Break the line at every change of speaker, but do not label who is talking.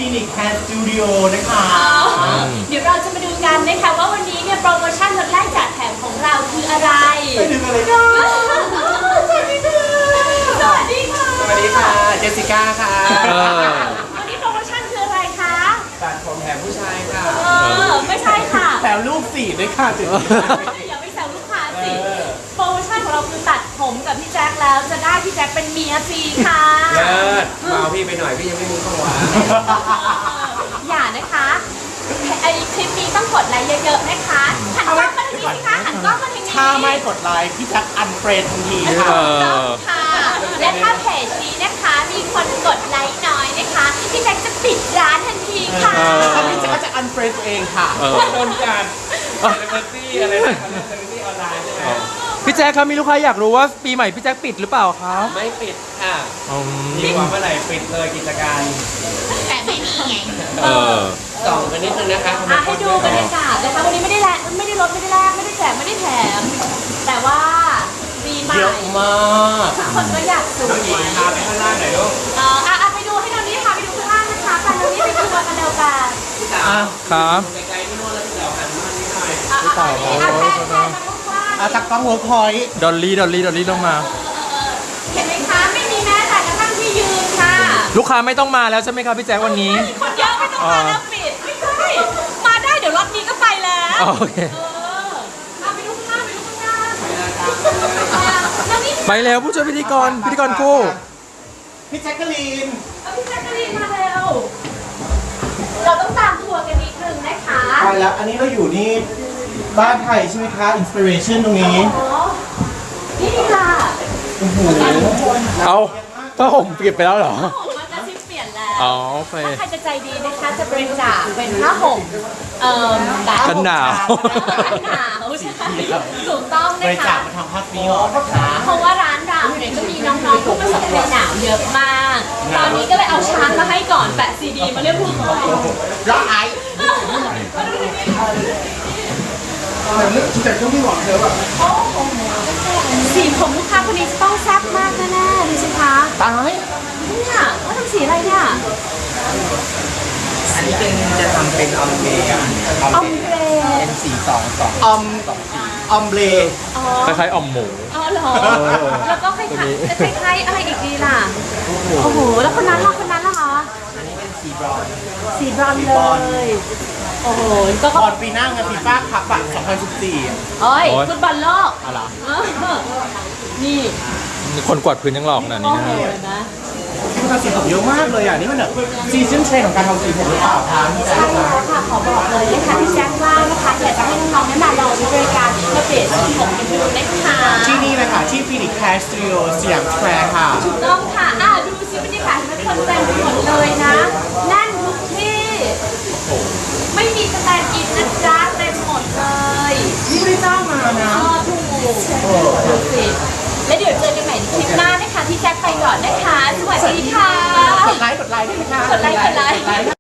ฟินิกแฮร์สตูดิโอนะคะ
เดี๋ยวเราจะมาดูกันนะคะว่าวันนี้เนี่ยโปรโมชั่นลดแลกจัดแถมของเราคืออะไร
ไปดูกันเลยค่ะ
สวัสดีค่ะสวัสดีค่ะ
สวัสดีค่ะเจสสิก้าค่ะ
วันนี้โปรโมชั่นคืออะไรคะ
ตัดผมแถมผู้ชายค่ะ
ไม่ใช่ค่ะ
แถมลูกสี่ด้วยค่ะจุด
อย่าไปแซวลูกค้าสิโปรโมชั่นของเราคือตัดผมกับพี่แจ็คแล้วจะได้พี่แจ็คเป็นเมียฟรีค่ะ
เลิศมาเอาพี่ไปหน่อยพี่ยังไม่มีข้าวหวาน
อย่านะคะไอคลิปนี้ต้องกดไลค์เยอะๆนะคะหันกล้องมาทางนี้สิคะหันกล้องมาทางนี้
ถ้าไม่กดไลค์พี่แจ็คอันเฟรนทันที
ค่ะและถ้าเพจนี้นะคะมีคนกดไลค์น้อยนะคะพี่แจ็คจะปิดร้านทันทีค่ะ
ถ้าพี่แจ็คก็จะอันเฟรนตัวเองค่ะโดนการเซเลบริตี้อะไรนะเซเลบริตี้ออนไลน์ใช่ไหม
พี่แจ๊คครับมีลูกค้าอยากรู้ว่าปีใหม่พี่แจ๊คปิดหรือเปล่าครับ
ไม่ปิดค่ะดีกว่าเมื่อไหร่ปิดเลยกิจการ
แต่ไม่มีไง
ส่องไปนิดนึงนะคะ
ให้ดูบรรยากาศนะคะวันนี้ไม่ได้ลดไม่ได้แลกไม่ได้แจกไม่ได้แถมแต่ว่าปีใหม่
เยอะมาก
ทุกคนก็อยากสวย
น้องหญิงพาไปข้างล่างหน่อยลูก
ไปดูให้น้องนี้พาไปดูข้างล่างนะคะไปน้องนี้ไปดูกันเดียวกัน
ครับ
ไกลๆพี่โน่นแล้วพี่เต๋อหันมานิดหน่อย
แทน
จากกล้องเวิร์กพอยต์
ดอลลี่ลงมา
เห็นไหมคะไม่มีแม้แต่กระทั่งที่ยืนค่ะ
ลูกค้าไม่ต้องมาแล้วใช่ไหมครับพี่แจ๊ควันนี้
คนเยอะไม่ต้องมาแล้วปิดไม่ใช่มาได้เดี๋ยวรอบนี้ก็ไปแล้ว
โอเค
ไปดูข้างหน้า
ไปแล้วผู้ช่วยพิธีกรคู่
พี่แจ็คกะลีน
มาเร็วเราต้องตามทัวร์กันนิดนึงนะคะ
ไปแล้วอันนี้เราอยู่นี่บ้านไทยใช่ไหมคะอินสปิเรชันตรงนี้
นี่ค่ะ
เอาผ้าห่มเปลี่ยนไปแล้วเหรอ
มันจะเปลี่ยนแล้ว
อ๋อโอเค
ถ้าใครจะใจดีนะคะจะบริจาคเป็นผ้าห่ม
กันหนาว
ใช่ถูกต้องนะคะ
บริจาคมาทำผ้าปีออกนะคะ
เพราะว่าร้านเราเนี่ยก็มีน้องๆผู้ประสบภัยหนาวเยอะมากตอนนี้ก็เลยเอาช้างมาให้ก่อนแปะซีดีมาเรียบร้อย
ร้ายชุดแต่งก็ไม่หวังเธอแบบ
สีผมลูกค้าคนนี้จะต้องแซ่บมากแน่ๆดูสิคะ
ตาย
เนี่ยเขาทำสีอะไรเนี่ย
อันนี้จะทำเป็นออมเบรเป็นสี2ออมเบร
คล้ายๆออมหมู
เหรอแล้วก็คล้ายอะไรอีกดีล่ะโอ้โหแล้วคนนั้นล่ะคะ
อันนี้เป็นสีบรอน
เลยโอ้โห
ก็บอลปีหน้าไงฟีฟ่าคัพอ่ะ2014
เอ้ยฟุตบอลโลก
อะไร
นี่
คนกวาดพื้นยังหลอกขนาดนี้นะ
คุณทำสีผมเยอะมากเลยอ่ะนี่มันแบบซีซั่นเทรนของการทำสีผมหรือเปล่าคะ
ใช่แล้วค่ะขอบอกเลยนะคะพี่แจ็คว่านะคะอยากจะให้น้องๆได้มาลองใช้บริการมาเปลี่ยนสีผมกันดูนะคะ
ที่นี่เลยค่ะที่ฟินิกแคสตูดิโอสยามสแควร์ค่ะ
ถูกต้องค่ะดูสิบรรยากาศมันคนเต็มไปหมดเลยนะแน่นทุกที่ไม่มีสแตนด์อินนะจ๊ะเต็มหมดเลย
นี่ไม่ได้จ้างมานะ
ถูกและเดี๋ยวเจอกันใหม่ในคลิปหน้านะคะพี่แจ็คไปก่อนนะคะสวัสดีค่ะ
กดไลค์ได้ไหมคะ
กดไลค์